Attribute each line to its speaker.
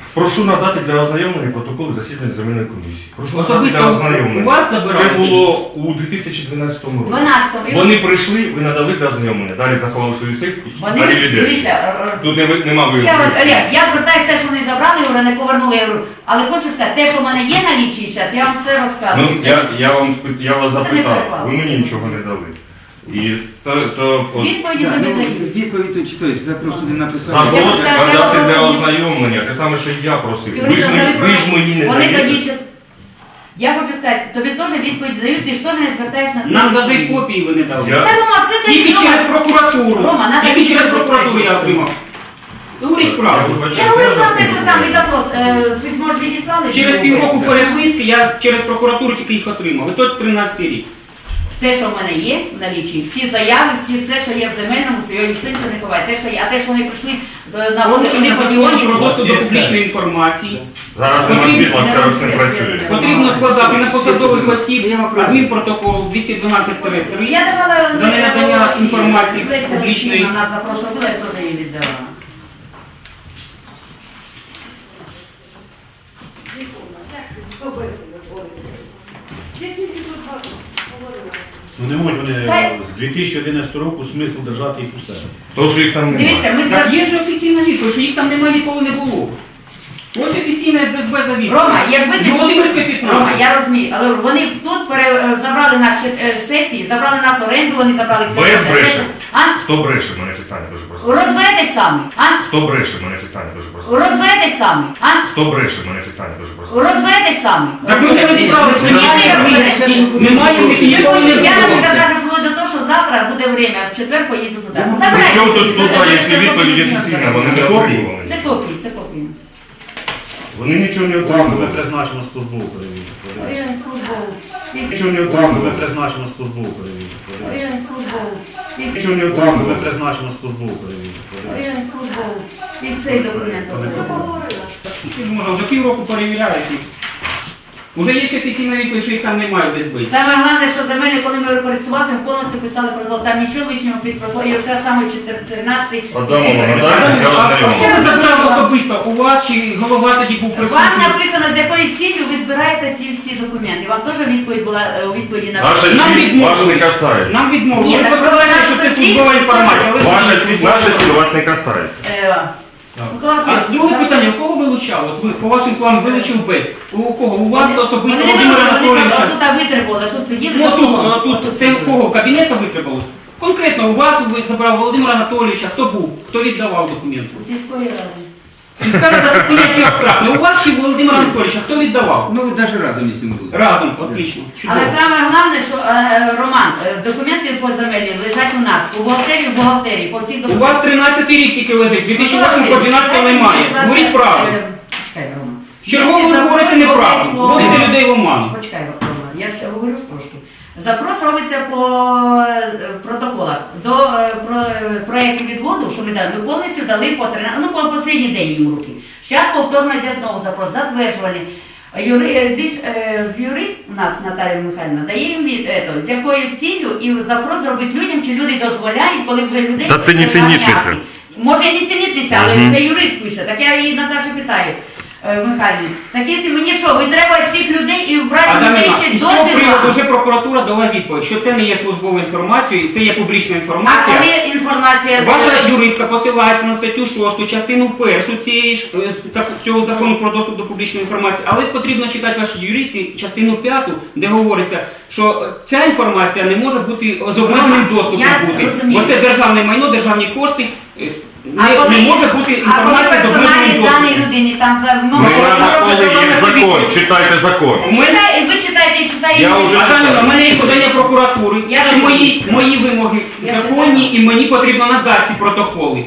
Speaker 1: Прошу надати для ознайомлення протоколи засідань земельної комісії. Прошу надати
Speaker 2: Особисто
Speaker 1: для
Speaker 2: у
Speaker 1: ознайомлення.
Speaker 2: вас забирали?
Speaker 1: Це було у 2012 році.
Speaker 3: 12-му.
Speaker 1: Вони прийшли, ви надали для ознайомлення, далі заховали свою сивку,
Speaker 3: Вони,
Speaker 1: далі людей.
Speaker 3: дивіться,
Speaker 1: Тут нема
Speaker 3: Олег,
Speaker 1: виявлення.
Speaker 3: я звертаюся те, що вони забрали, говорю, не повернули. Я говорю, але хочу сказати, те, що в мене є на лічі зараз, я вам все розказую.
Speaker 1: Ну, я вас
Speaker 3: Це не
Speaker 1: запитав,
Speaker 3: перепало.
Speaker 1: ви мені нічого не дали. І
Speaker 3: Відповіді тобі дають.
Speaker 4: Відповідь читаюсь, я просто не написав.
Speaker 3: Я
Speaker 1: запрос
Speaker 3: просто-
Speaker 1: надати для
Speaker 3: я
Speaker 1: ознайомлення, те саме, що я просив.
Speaker 3: І вони
Speaker 1: Ви ж мені не
Speaker 3: Вони
Speaker 1: даєте.
Speaker 3: тоді я хочу сказати, тобі теж відповідь дають, ти ж теж не звертаєш на це.
Speaker 2: Нам навіть
Speaker 3: відповіді.
Speaker 2: копії ви не дали.
Speaker 1: Я-
Speaker 3: Та Рома, це ти
Speaker 2: Тільки через прокуратуру.
Speaker 3: Рома, надо
Speaker 2: Тільки через
Speaker 3: відповідь
Speaker 2: прокуратуру я
Speaker 3: дати.
Speaker 2: отримав. Говоріть правду.
Speaker 3: Я говорю про те, що самий запрос. Письмо ж відіслали?
Speaker 2: Через
Speaker 3: чи
Speaker 2: півроку
Speaker 3: ні?
Speaker 2: переписки я через прокуратуру тільки їх отримав. І тут 13-й рік.
Speaker 3: Те, що в мене є в налічі, всі заяви, все, що є в земельному, його ніхто нічого не ховає. Те, що є, а те, що вони прийшли на вони по діоні,
Speaker 2: Про доступ до публічної інформації.
Speaker 1: Зараз нема світла, це не працює.
Speaker 2: Потрібно складати на посадових осіб адмінпротокол 212-3
Speaker 3: Я давала
Speaker 2: за ненадання інформації
Speaker 3: Леся
Speaker 2: публічної.
Speaker 3: Олексіївна нас запросила, я теж її віддала.
Speaker 5: Ну не можуть вони
Speaker 3: Та-
Speaker 5: з 2011 року смисл держати їх у себе.
Speaker 1: То, що їх там немає.
Speaker 3: Дивіться, ми
Speaker 2: Так є ж офіційна відповідь, що їх там немає, ніколи не було. Ось офіційна СДСБ за відповідь.
Speaker 3: Рома, якби ти
Speaker 2: Володимирське 15.
Speaker 3: Рома, я розумію, але вони тут забрали наші сесії, забрали нас оренду, вони забрали все.
Speaker 1: Без бреше.
Speaker 3: А?
Speaker 1: Хто бреше, мене питання дуже просто.
Speaker 3: Розберетесь самі, а?
Speaker 1: Хто бреше, мене питання дуже просто.
Speaker 3: Розберетесь самі, а?
Speaker 1: Хто бреше, мене питання дуже просто.
Speaker 3: Розберетесь самі.
Speaker 2: Так ми вже розібралися, немає в них ніколи не
Speaker 3: Я, наприклад,
Speaker 2: було.
Speaker 3: кажу, вплоть до того, що завтра буде время, в четвер поїду туди.
Speaker 1: При
Speaker 3: Забирайте
Speaker 1: чому
Speaker 3: собі,
Speaker 1: тут тут
Speaker 3: забирайте,
Speaker 1: є відповіді
Speaker 3: копії
Speaker 1: офіційна, вони не
Speaker 3: Це
Speaker 1: отримували.
Speaker 3: копії, це копії.
Speaker 1: Вони нічого не
Speaker 5: Ми
Speaker 1: отримували.
Speaker 5: призначимо службову перевірку.
Speaker 3: Ой, службову.
Speaker 1: Нічого не
Speaker 5: Ми
Speaker 1: отримували.
Speaker 5: призначимо службову перевірку.
Speaker 3: Ой, службову.
Speaker 1: Нічого не
Speaker 5: Ми
Speaker 1: отримували.
Speaker 5: призначимо службову перевірку.
Speaker 3: Ой, службову. І цей документ.
Speaker 2: Ти ж можна, вже півроку перевіряють їх. Уже є офіційна відповідь, що їх там немає в СБ.
Speaker 3: Саме головне, що земель, коли ми користувалися, повністю писали протокол. Там нічого лишнього під протокол. І оце саме 14-й.
Speaker 1: Адамова Наталя, я
Speaker 2: Я
Speaker 1: ознайомив.
Speaker 2: забрав особисто у вас, чи голова тоді був
Speaker 3: Вам
Speaker 2: присутній?
Speaker 3: написано, з якою ціллю ви збираєте ці всі документи. Вам теж відповідь була у відповіді на
Speaker 1: Наша
Speaker 2: Нам
Speaker 1: ціль
Speaker 2: відмовили.
Speaker 1: вас не касається.
Speaker 2: Нам відмовили.
Speaker 3: Ні,
Speaker 2: Ви
Speaker 3: так
Speaker 2: посилаєте,
Speaker 3: просто
Speaker 2: що це
Speaker 3: наша
Speaker 2: службова
Speaker 3: ціль-
Speaker 2: інформація. але
Speaker 1: Ваша
Speaker 2: це
Speaker 1: ціль, наша ціль вас не касається.
Speaker 3: Микола
Speaker 2: А
Speaker 3: Васильович,
Speaker 2: друге питання, кого вилучали? От ви, по вашим словам, вилучив без. У кого? У вас особисто
Speaker 3: Вони не
Speaker 2: Володимира
Speaker 3: вийшли, вони
Speaker 2: Анатолійовича?
Speaker 3: тут витребували, тут сиділи
Speaker 2: Ну
Speaker 3: за
Speaker 2: тут,
Speaker 3: столом.
Speaker 2: тут це у кого? Кабінета витребували? Конкретно у вас ви забрав Володимира Анатолійовича, хто був? Хто віддавав документи?
Speaker 3: У сільської ради.
Speaker 2: Сільська рада поняття абстрактне. У вас чи Володимира Анатолійовича, хто віддавав?
Speaker 4: Ну, навіть разом із ним були.
Speaker 2: Разом, отлично.
Speaker 3: Але
Speaker 2: Чудово.
Speaker 3: саме головне, що Роман, документи по землі лежать у нас, у бухгалтерії, по всіх
Speaker 2: У
Speaker 3: документах.
Speaker 2: вас 13 рік тільки лежить, 2008 по 12 немає. Говоріть правду.
Speaker 3: Почекай, Рома.
Speaker 2: Чергово ви говорите неправду, вводите людей в оману.
Speaker 3: Почекай, Рома, я ще говорю трошки. Запрос робиться по протоколах. До проєкту відводу, що ми дали, ми повністю дали по 13, ну по останній день їм руки. Зараз повторно йде знову запрос, затверджувальний. Юрист у нас Наталія Михайлівна дає їм з якою ціллю і запрос робить людям, чи люди дозволяють, коли вже людей...
Speaker 1: Та це нісенітниця.
Speaker 3: Може і нісенітниця, але це юрист пише. Так я її Наташу питаю. Михайлівні, так якщо мені що, ви треба всіх людей і вбрати людей ще
Speaker 2: із
Speaker 3: до
Speaker 2: цього приводу
Speaker 3: села?
Speaker 2: вже прокуратура дала відповідь, що це не є службовою інформацією, це є публічна
Speaker 3: А
Speaker 2: інформація.
Speaker 3: коли інформація...
Speaker 2: Ваша юристка посилається на статтю 6, частину 1 цього закону про доступ до публічної інформації, але потрібно читати вашій юристі частину 5, де говориться, що ця інформація не може бути з обмеженим доступом
Speaker 3: Я
Speaker 2: бути.
Speaker 3: розумію.
Speaker 2: Бо це державне майно, державні кошти,
Speaker 3: А
Speaker 2: не може бути інформація з обмеженим
Speaker 3: персональні дані
Speaker 2: доступом.
Speaker 3: людині там за...
Speaker 1: Ми коли є закон, читайте закон.
Speaker 3: Ви читаєте і читаєте.
Speaker 1: Я вже
Speaker 2: Жанна, у мене є подання прокуратури,
Speaker 3: Я
Speaker 2: і
Speaker 3: розумію.
Speaker 2: мої вимоги
Speaker 3: Я
Speaker 2: законні, і мені потрібно надати ці протоколи.